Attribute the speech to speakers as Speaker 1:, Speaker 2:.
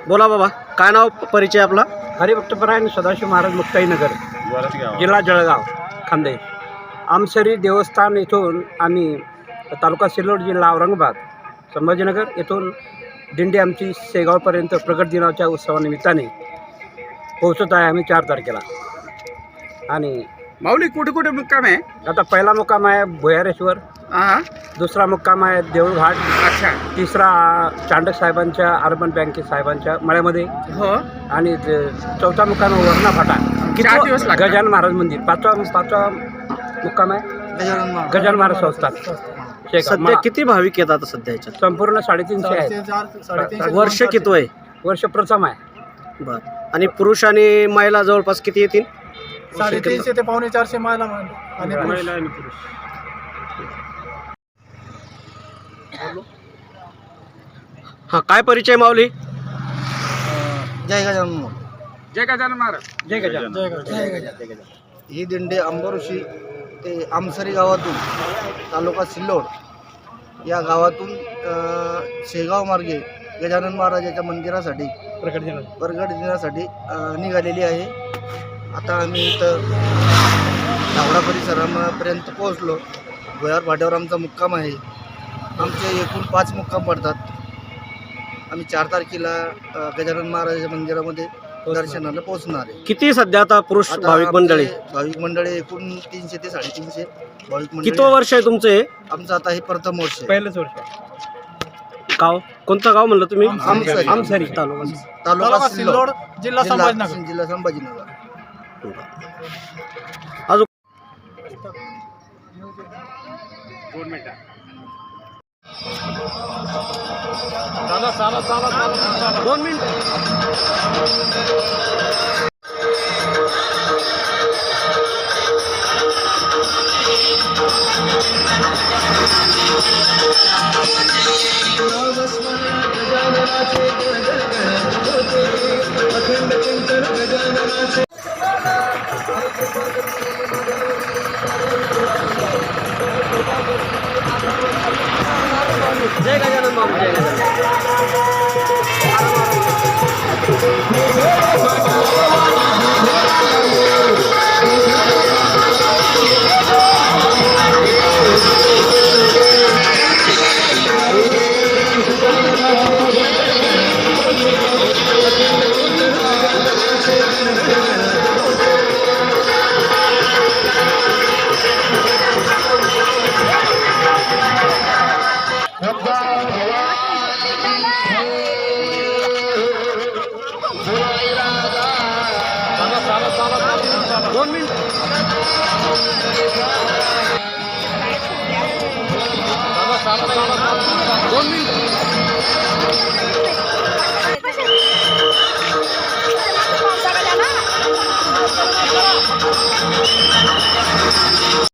Speaker 1: बोला बाबा, काय नाव परिचय आपला?
Speaker 2: हरिभक्तपरायण सदाशिव महाराज मुक्ताईनगर, जिल्हा जळगाव, खानदेश. आमसरी देवस्थान येथून आम्ही तालुका सिल्लोड, जिल्हा औरंगाबाद, संभाजीनगर येथून दिंडी आमची शेगावपर्यंत प्रगट दिनाच्या उत्सवानिमित्ताने पोहोचत आहे. आम्ही 4 तारखेला. आणि
Speaker 3: माऊली कुठे कुठे मुक्काम आहे?
Speaker 2: आता पहिला मुक्काम आहे भुयारेश्वर, दुसरा मुक्काम आहे देऊळघाट,
Speaker 3: अच्छा.
Speaker 2: तिसरा चांडक साहेबांच्या अर्बन बँके साहेबांच्या मळ्यामध्ये,
Speaker 3: हो.
Speaker 2: आणि चौथा मुक्काम आहे वरणा फाटा,
Speaker 3: 4 दिवस लागतात.
Speaker 2: गजानन महाराज मंदिर. पाचवा मुक्काम आहे गजानन महाराज संस्थान शेगाव.
Speaker 1: सध्या किती भाविक येतात सध्या याच्यात?
Speaker 2: संपूर्ण 350 आहेत.
Speaker 1: वर्ष किती आहे?
Speaker 2: वर्ष प्रथम आहे.
Speaker 1: बर. आणि पुरुष आणि महिला जवळपास किती येतील?
Speaker 4: 350 ते 450 महिला आणि
Speaker 2: महिला आणि पुरुष.
Speaker 1: हा, काय परिचय माऊली?
Speaker 4: जय गजानन.
Speaker 3: जय गजानन महाराज.
Speaker 2: जय गजानन.
Speaker 4: जय गजानन. ही दिंडी अंबोऋषी ते आमसरी गावातून तालुका सिल्लोड या गावातून शेगाव मार्गे गजानन महाराजाच्या मंदिरासाठी
Speaker 2: प्रकट दिनाचं.
Speaker 4: प्रगट दिनासाठी निघालेली आहे. आता आम्ही इथं धावडा परिसरापर्यंत पोहोचलो. भुयार फाट्यावर आमचा मुक्काम आहे. आमचे एकूण 5 मुक्काम पडतात. आम्ही 4 तारखेला गजानन महाराजाच्या मंदिरामध्ये दर्शनाला पोहोचणार आहे.
Speaker 1: किती सध्या आता पुरुष
Speaker 4: आता
Speaker 1: भाविक मंडळी?
Speaker 4: आमचे भाविक मंडळी एकूण 300 ते 350 भाविक मंडळी.
Speaker 1: कितवं वर्ष आहे तुमचं हे?
Speaker 4: आमचं आता हे प्रथम वर्ष आहे.
Speaker 2: पहिलंच वर्ष आहे.
Speaker 1: गाव कोणतं गाव म्हणलं तुम्ही?
Speaker 4: आमसरी.
Speaker 2: आमसरी
Speaker 4: तालुका सिल्लोड,
Speaker 5: जिल्हा संभाजीनगर.
Speaker 4: जिल्हा संभाजीनगर.
Speaker 1: अजून
Speaker 3: 2 मिनिटं.
Speaker 1: दोन मिनिट. जय गजानन बाबा, जय गजानन. दोन मिनिट. दोन मिनिट.